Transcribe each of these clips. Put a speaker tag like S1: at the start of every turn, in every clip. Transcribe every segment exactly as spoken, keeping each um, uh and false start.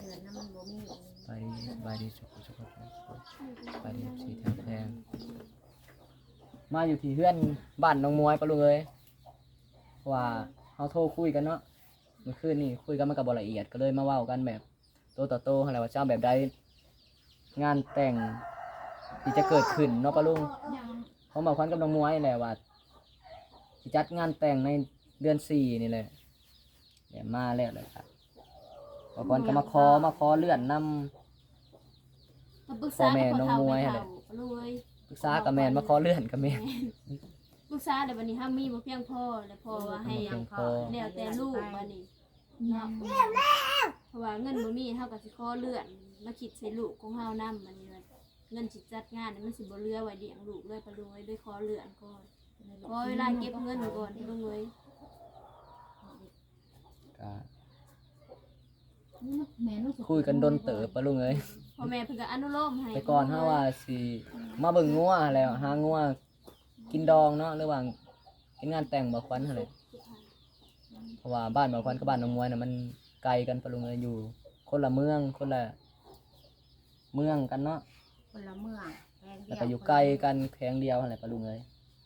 S1: เงินน้ำมันบ่มี
S2: ไปไปดีสุขสุขไปดีสีแทงแทงมาอยู่ที่เพื่อนบ้านน้องมวยปะลุงเอ้ยว่าเขาโทรคุยกันเนาะเมื่อคืนนี่คุยกันมันกับบละเอียดก็เลยมาเว้ากันแบบโตต่อโตอะไรว่าเจ้าแบบใดงานแต่งที่จะเกิดขึ้นเนาะปะลุงเขาบอกกันกับน้องมวยแหละว่าที่จัดงานแต่งในเดือนสี่นี่เลยเนี่ยมาแล้วเลยครับบอกกันก็มาขอมาขอเลื่อนนำพ่อแม่น้องมวยอะไรปรึกษากับแมนมาขอเลื่อนกับแมน
S3: ปรึกษาเดี๋ยววันนี้ห้ามมีบ่เพียงพอแล้วพอว่าให้แล้วแต่ลูกวันนี้เนาะเพราะว่าเงินบ่มีเฮาก็สิขอเลื่อนมาคิดใส่ลูกของเฮานำมันเงินสิจัดงานมันสิบ่เหลือไว้เลี้ยงลูกเลยปะลุงเอ้ยด้วยขอเลื่อนก่อนขอเวลาเก็บเงินก่อนลุงเอ้ย
S2: คุยกันดนเต๋อปะลุงเอ้ย
S3: พ่อแม่เพิ่นก็อนุโลมให้
S2: แต่ก่อนเฮาว่าสิมาเบิ่งงัวแล้วหางัวกินดองเนาะระหว่างกินงานแต่งบ่ควันหั่นแหละเพราะว่าบ้านบ่ควันกับบ้านน้องมวยน่ะมันไกลกันปะลุงเอ้ยอยู่คนละเมืองคนละเมืองกันเนาะ
S1: คนละเมือง
S2: แล้วก็อยู่ไกลกันแข้งเดียวหั่นแหละปะลุงเอ้ย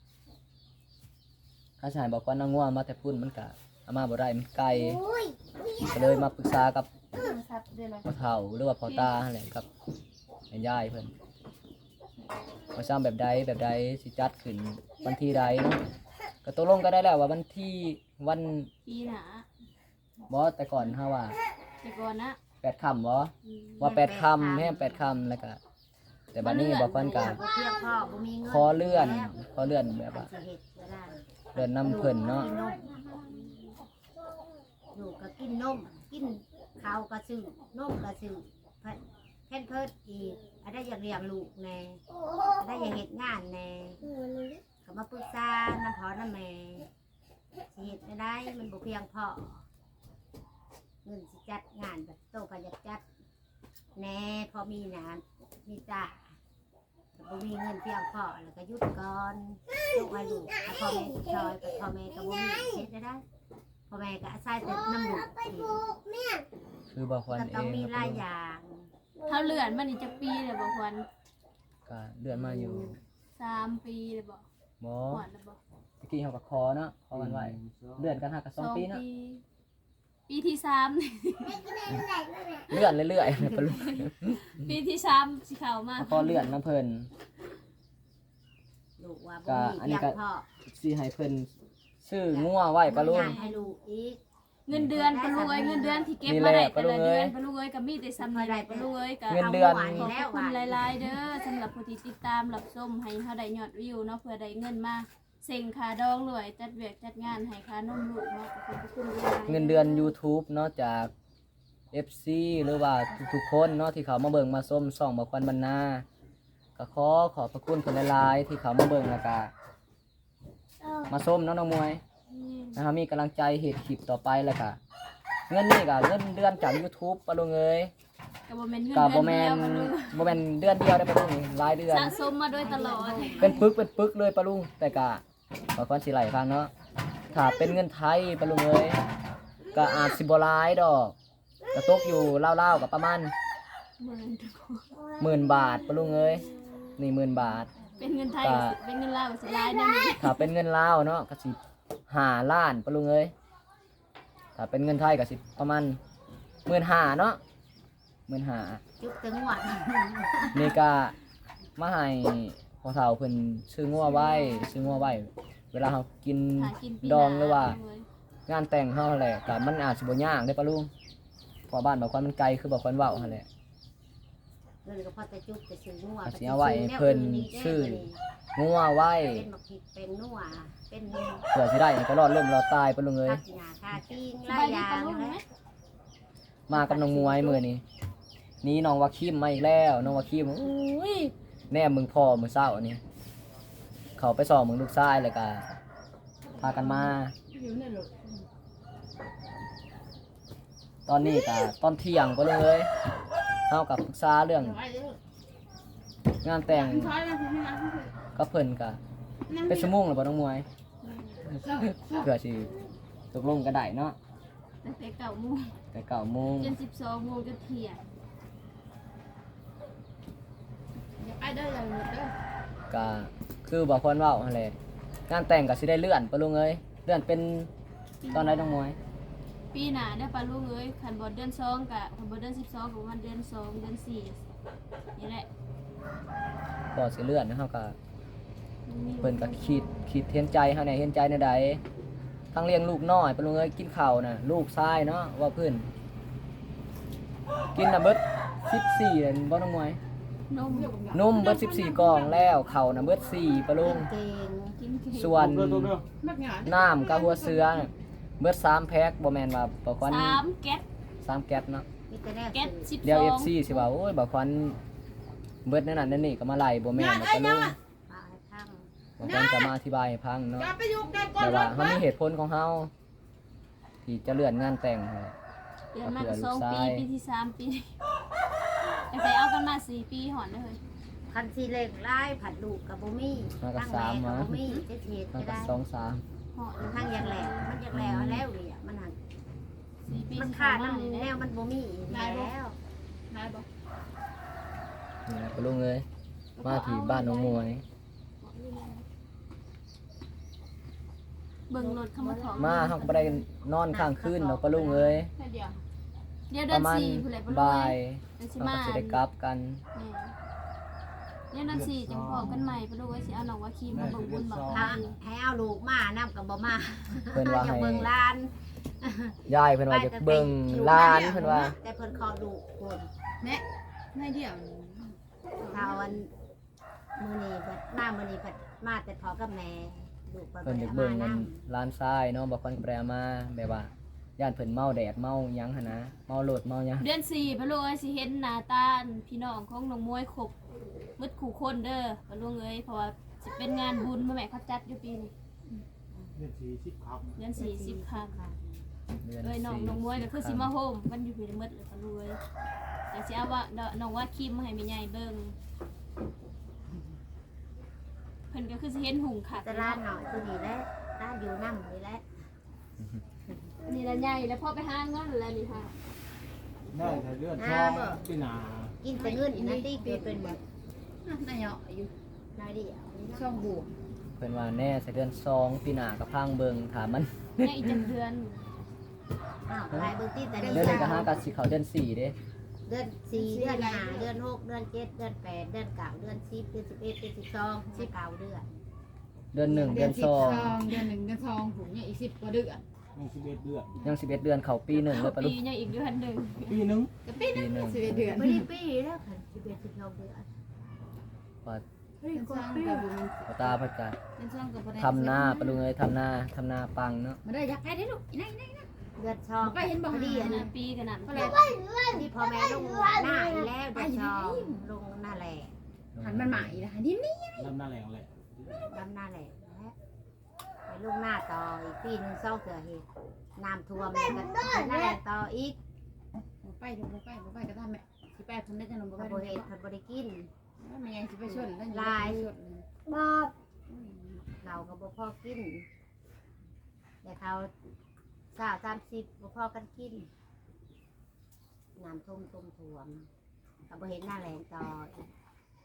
S2: ถ้าชายบ่ควันเอางัวมาแต่พุ่นมันก็เอามาบ่ได้มันไกลก็เลยมาปรึกษากับพ่อเฒ่าหรือว่าพ่อตาอะไรกับแม่ยายเพิ่นว่าซ้ำแบบใดแบบใดสิจัดขึ้นวันที่ใดเนาะก็ตกลงก็ได้แล้วว่าวันที่วัน
S3: ปีหน้า
S2: บ่แต่ก่อนเฮาว่า
S3: แต่ก่อนนะ
S2: แปดค่ำบ่ว่าแปดค่ำแม่แปดค่ำแล้วก็แต่บัดนี้บ่ควรกันขอเลื่อนขอเลื่อนแบบว่าเลื่อนนำเพิ่นเนาะ
S1: อยู่ก็กินนมกินข้าวก็ซื้อนมก็ซื้อแพนเพิร์ดอีกอะไรอยากเลี้ยงลูกแน่อะไรอยากเฮ็ดงานแน่เขามาปรึกษาน้ำพอน้ำแม่สิเฮ็ดไม่ได้มันบ่เพียงพอเงินสิจัดงานแบบโตก็อยากจัดแน่พอมีนะมีจ้าบ่มีเงินเพียงพอแล้วก็หยุดก่อนลูกให้ลูกพ่อแม่ซอยกับพ่อแม่ก็บ่มีเฮ็ดได้พ่อแม่ก็อาศัยแต่น้ำลูก
S2: คือบ่ควรเอง
S1: ต้องมีหลายอย่าง
S3: เท่าเลื่อนมานี่จักปีเลยบ่ควร
S2: ก็เลื่อนมาอยู่
S3: สามปีเลยบ่
S2: บ่
S3: ฮอดแล้วบ่
S2: ตะกี้เฮาก็ขอเนาะขอกันไว้เลื่อนกันหาก็สองปีเนาะ
S3: ปีที่สาม
S2: เลื่อนเรื่อยๆปะลุง
S3: ปีที่สามสิเข้ามา
S2: ขอเลื่อนนํเพิ่น
S1: ลูกว่าบ่มีเพียงพอ
S2: สิให้เพิ่นซื้องัวไว้ปะลุง
S1: ให้ลูกอีก
S3: เงินเดือนปะลุงเอ้ยเงินเดือนที่เก็บมาได้แต่ละเดือนปะลุงเอ้ยก็มีแต่ซ้ำนี่แหละปะลุงเอ้ยก็
S2: เงินเดือน
S3: ขอบคุณหลายๆเด้อสำหรับผู้ที่ติดตามรับชมให้เฮาได้ยอดวิวเนาะเพื่อได้เงินมาเซ็งค่าดองรวยจัดเวียกจัดงานให้ค่านมลูกเนาะขอบคุณหลาย
S2: เงินเดือน YouTube เนาะจาก เอฟ ซี หรือว่าทุกๆคนเนาะที่เขามาเบิ่งมาชมช่องบ่ควันบรรณาก็ขอขอบพระคุณเพิ่นหลายๆที่เขามาเบิ่งแล้วก็มาชมเนาะน้องมวยนะครับมีกำลังใจเฮ็ดคลิปต่อไปแล้วก็เงินนี่ก็เงินเดือนจาก YouTube ปะลุงเอ้ย
S3: ก็บ่แม่นเงิน
S2: ก็บ่
S3: แม่น
S2: บ่แม่นเดือนเดียวได้ปะลุงหลายเดือน
S3: สะสมมาโดยตลอด
S2: เป็นปึกเป็นปึกเลยปะลุงแต่ก็บ่ควรสิไหลฟังเนาะถ้าเป็นเงินไทยปะลุงเอ้ยก็อาจสิบ่หลายดอกก็ตกอยู่ราวๆก็ประมาณหมื่นบาทปะลุงเอ้ยนี่หมื่นบาท
S3: เป็นเงินไทยเป็นเงินลาวสิหลายแน่นี่
S2: ถ้าเป็นเงินลาวเนาะก็สิห้าล้านปะลุงเอ้ยถ้าเป็นเงินไทยก็สิประมาณหมื่นห้าเนาะหมื่นห้า
S1: จุกถึงหวัด
S2: นี่ก็มาให้พ่อเฒ่าเพิ่นซื้องัวไว้ซื้องัวไว้เวลาเฮากินดองหรือว่างานแต่งเฮาแหละก็มันอาจสิบ่ยากเด้ปะลุงเพราะบ้านบ่ควรมันไกลคือบ่ควรเว้าหั่นแหละ
S1: เพิ่นก็พอจะจุกจะซื้องัว
S2: สิเอาไว้เพิ่นซื้องัวไว้
S1: เป็นบักผิดเป็นนัวเป็น
S2: เพื่อสิได้ก็รอดล่มรอดตายปะลุงเอ้ย
S1: ค่าปิ้งหลายอย่าง
S2: มากับน้องมวยมื้อนี้นี่น้องวาคิมมาอีกแล้วน้องวาคิมอุ้ยแน่มึงพ่อมื้อเช้านี่เขาไปสอบมึงลูกชายแล้วก็พากันมาตอนนี้ก็ตอนเที่ยงปะลุงเอ้ยเฮากับปรึกษาเรื่องงานแต่งก็เพิ่นก็เป็นชั่วโมงแล้วบ่น้องมวยเพื่อสิตกลงกันได้เนาะ
S3: ตั้งแต่เก้าโมง
S2: แต่เก้าโมง
S3: จนสิบสองโมงจนเที่ยง
S4: อย่าไปเด้ออย่าหลุดเด้อ
S2: ก็คือบอกคนเว่าอะไรงานแต่งก็สิได้เลื่อนปะลุงเอ้ยเลื่อนเป็นตอนไหนน้องมวย
S3: ปีหน้าได้อปลาลูกเอ้ยคันบ่เดือนสองกะคันบ่เดือนสิบสองก็ประมาณเดือนสองเดือนสี่นี่แหละ
S2: ก็สิเลื่อนนะครับก็เพิ่นก็คิดคิดเห็นใจเฮาแหน่เห็นใจในใดทั้งเลี้ยงลูกน้อยปะลุงเอ้ยกินข้าวน่ะลูกชายเนาะว่าเพิ่นกินน่ะเบิดสิบสี่เลยบ่น้องมวย
S3: นม
S2: นมเบิดสิบสี่กล่องแล้วข้าวน่ะเบิดสี่ปะลุง
S1: เก่ง
S3: กินเค้ก
S2: ส่วน
S4: มักหยาด
S2: น้ำกับหัวเสือน่ะเบิดสามแพ็คบ่แม่นว่าบ่ควัน
S3: สามแก๊ส
S2: สามแก๊สเนาะ
S1: มีแต่แนว
S3: แก๊ส
S1: สื่อ
S3: สิบ
S2: เดี๋ยว
S3: สอ
S2: เอง ฟซีสิว่าโอ้ยบ่ควันเบิดนั่นนั่นนั่นนี่ก็มาไล่บ่แม่นนะปะลุง
S1: มาให้พัง
S2: บ่ควันก็มาอธิบายให้ฟังเนาะ
S4: อย่าไปยุ่งกันก่อน
S2: แต่
S4: ร
S2: ว่า
S4: ถ
S2: เฮามีเหตุผลของเฮาที่จะเลื่อนงานแต่งให้
S3: เดือนมาก็สองปีปีที่สามปีแต่ไปเอากันมาสี่ปีหอนเลย
S1: คันสีเล็กไล่ผัดลูกกับบ่มีตั้งแม่กับบ่มีเจ็ดเฮ็ด
S2: มัน
S1: ก็
S2: ก็
S1: ได้
S2: สองสาม
S3: หอน
S1: มันทั้งอยากแหลกมันอยากแหลกเอาแล้วเลยอ่ะมันหัก
S3: สี่ปี
S1: มัน
S3: ที่
S1: ขาด
S3: ผ่
S1: มัน
S3: นมา
S1: แน
S3: เนี่
S1: วย มันบ่มีอีกแล้ว
S4: นายบอก
S2: นี่นะปะลุงเอ้ยมาที่บ้านน้องมวย
S3: เบิ่งรถเข้ามาถอด
S2: มาเฮาก็บ่ได้นอนค้างคืนเนาะปะลุงเอ้ย
S4: แค่เดียว
S3: เดี๋ยว
S2: ป
S3: เดือน
S2: ระมาณ
S3: สี่ผู้ใดบ่รู้
S2: บ่า
S3: เลย ยเดือนสิ
S2: เฮา
S3: มา
S2: ก็สิได้กลับกัน
S3: เดี๋ยวเดือนสี่จังพอกันใหม่บ่รู้ว่าสิเอาน้องว่าคีมมาเบิ่งบุญบอก
S1: ถ้าให้เอาลูกมานํกับบ่มา
S2: เพิ่นว่า
S1: อยาก
S2: ให้
S1: เบิ่งหลาน
S2: ยายเพิ่นว่าจะเบิ่งหลานเพิ่นว่า
S1: แต่เพิ่นขอลูกคน
S4: เนี่ยนายเดียว
S1: ถ้าวันมื้อนี้เพิ่นมามื้อนี้เพิ่นมาแต่พ่อกับแม่ลูกเพิ่น
S2: เพิ่น
S1: บ่
S2: จะ
S1: ได้
S2: เบิ่ง
S1: มา
S2: เงิน
S1: นำ
S2: ร้านทรายเนาะบ่ค่อยแปรมาแบบว่าย่านเพิ่นเมาแดดเมาหยังหั่นนะเมาโลดเมาหยัง
S3: เดือนสี่บ่รู้ว่าสิเห็นหน้าตาพี่น้องของน้องมวยครบหมดคู่คนเด้อบ่รู้เอ้ยเพราะว่าสิเป็นงานบุญมาแม่เขาจัดอยู่ปีนี้
S5: เดือนสี่สิบครับ
S3: เดือนสี่สิบค่ะ
S2: เดือน
S3: เอ้ยน้อง
S2: สี่
S3: น้องมวยก็คือสิมาโฮมกันอยู่พี่หมดเลยบ่รู้เอ้ยแต่สิเอาว่าน้องว่าคีมมาให้แม่ใหญ่เบิ่งเพิ่นก็คือสิเห็นหุงคัก
S1: แต่ร้านหน่อยคือนี่แหละร้านอยู่นำนี่แหละ
S3: นี่ละใหญ่แล้วพอไปหาเงินแล้วนี่ค่ะ
S5: ได้แต่เลือดช่องพี่นา
S1: กินแต่เงินอีกนะติเกิดเป็นแบบ
S4: นายเหาะอยู่
S1: นายเดียว
S4: ช่องบวก
S2: เพิ่นว่าแน่ใส่เดือนสองปีหน้าก็พังเบิ่งถามมัน
S3: เนี่ยอีกจังเดือน
S1: อ้าวลายเบิ่งติแต่
S2: เดื
S1: นี่
S2: อนนี้ก็หากันสิเข้าเดือนสี่เด้
S1: เดือนสี่เดือนห้าเดือนหกเดือนเจ็ดเดือนแปดเดือนเก้าเดือนสิบเดือนสิบเอ็ดเดือนสิบสองสิบเก้าเดือน
S2: เดือนหนึ่งเดือน
S4: สิ
S2: ส
S4: บ
S2: อง
S4: เดือนหนึ่งเดือนสองผมเนี่ยอีกสิบกว่าเดือน
S5: ยังสิบเอ็ดเดือน
S2: ยังสิบเอ็ดเดือนเข้าปีหนึ่งเลยปะลู
S3: ปี
S2: ก
S3: ยังอีกเดือนหนึ่ง
S5: ปีหนึง
S4: จะปีนึงสิบเอ็ดเดือน
S1: ไม่ได้ปีแล้วค่ะสิบเอ็ดสิบสองเดือน
S2: ว่า
S4: เดือนสองกับบุญ
S2: พ่อตาเพิ่นก็
S4: เดือนสองกับบุญ
S2: ทำหน้าปะลุงเอ้ยทำหน้าทำหน้าปังเนาะ
S4: มาได้อยากไปได้ลูกอีนั่นอีนั่น
S1: เดือนสอง
S4: ไปเห็นบ่
S1: พอดี
S3: ข
S1: อัน
S3: นา
S1: นั้
S3: ด
S1: น
S3: ปีขนาด
S4: ก็เลย
S1: ที่พ่อแม่ลงหน้าอีกแล้วเดือนสองลงหน้าแหล่
S4: หันมันใหม่ละหันนี่นี่
S5: ลำหน้าแรงเลย
S1: ดำหน้าแหล่และไปลงหน้าต่ออีกปีหนึงเศร้าเสือเหตุน้ำท่วมแล้วก็ไปหน้าแหล่ต่ออีก
S4: ไปดูไปดูไปก็ทำแม่สิไปคนได้จะนมบ่
S1: พ
S4: ไป
S1: อ
S4: ดู
S1: เหตุพอได้กิน
S4: มันยังสิไปชนแล้ว
S1: บอกเราก็บ่พอกินแต่เขาสาวสามสิบบ่พอกันกินน้ำท่วมท่วมท่วมก็บ่เห็นหน้าแหลงต่ออีก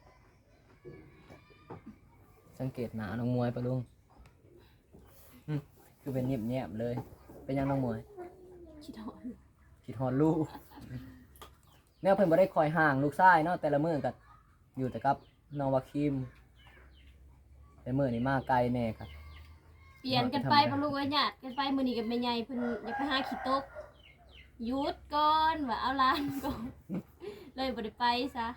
S2: สังเกตหน้าน้องมวยปะลุงอืมคือเป็นเงียบๆเลย เป็นยังน้องมวย
S3: คิดหอน
S2: คิดฮอดลูกแนวเพิ่นบ่ได้คอยห่างลูกชายเนาะแต่ละมื้อก็อยู่แต่กับน้องวาคิมแต่มื้อนี้มาไกลแน่ครับ
S3: เปลี่ยนกันไปปะลูกเอ้ยญาติกันไปมื้อนี้กับแม่ใหญ่เพิ่นอยากไปหาขี้ตกหยุดก่อนว่าเอาหลานก่อนเลยบ่ได้ไปซะ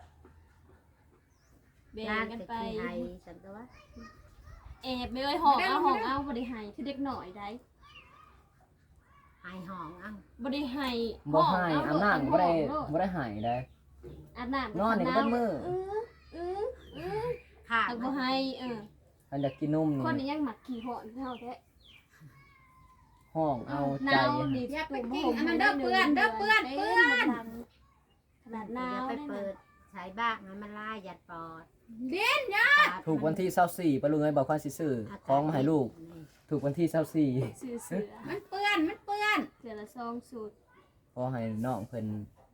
S3: แบ่ง
S1: ร้าน
S3: กัน
S1: จะ
S3: ไป
S1: กินไห้ฉันก็ว่า
S3: แอบไปเอ้ยห้องเอาห้องเอาบ่ได้ให้คือเด็กน้อยได้
S1: ไห้ห้องเอ้า
S3: บ่ได้ให้
S2: บ่ให้
S3: ห้ง
S2: อาบน้ำบ่ได้
S3: ห้อง
S2: บ่ได้ใหายได้
S3: อาบน้ำ
S2: นอนนี่ก็เบิดมื้อ
S3: เออเออเออ
S1: ค่ะ
S3: แต่บ่ให้เออ
S2: ท่านอยากกินนม
S3: คน
S2: นี่
S3: นี้ยังหมักขี้หอนเท่าแท้
S2: ห้องเอา
S3: ห
S2: ใจ
S3: นาวนี่ขนาดหนาว
S1: จะไป
S3: นี่
S1: เปิ
S3: นะ
S1: ดใช้บ้างให้มันลายหยัดปอด
S4: เด่นยา
S2: ถูกวันที่24ปะลุงเอ้ยบอกว่าสิซื้อของมาให้ลูก ถูกวันที่24
S3: ซื้อเสือ
S4: มันเปื้อนมันเปื้อน
S3: เสือละซองสูตร
S2: ขอให้น้องเพิ่น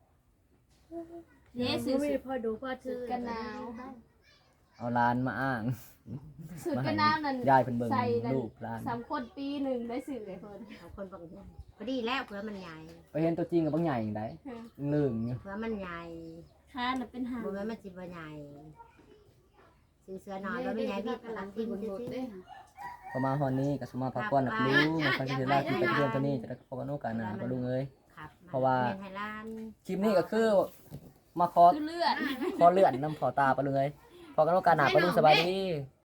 S3: เด้ซื้อ
S6: ไม่
S3: เสือ
S6: พอดูพอ
S3: สู
S6: ถื
S3: ต
S6: อ
S3: รกันหนาว
S2: เอาร้านมาอ้าง
S3: สูตรกันหนาวนั่น
S2: ยายเพิ่นเบิ่ง
S3: ใส่นั่น
S2: ลูกร้าน
S3: สามคนปีหนึ่งได้สื่อเลยเพิ่น
S1: เอาคนบางพอดีแล้วเผื่อมันใหญ่
S2: ไปเห็นตัวจริงกับบางใหญ่อย่างไดลืมอยู่
S1: เผื่อมันใหญ่
S3: ค้าน่ะเป็นหาง
S1: บ่แม่นมันสิบ่ใหญ่ซื้อเสื้อหน่อยแล้วไม่ใหญ่พี่กำลังกินซื่อ
S2: พอมาฮอนนี้ก็สมาพักผ่อนหลับรู้มาฟังที่แรกที่ไปเรียนตัวนี้จะได้พบกันโอกาสหน้าปะลุงเอ้ย
S1: ๆครับ
S2: เพราะว่า
S1: แม่นให้ร้าน
S2: คลิปนี้ก็คือมาขอ
S3: คือเลือด
S2: ขอเลื่อนน้ำขอตาปะลุงเอ้ยพอกันโอกาสหน้าปะลุงสบายดี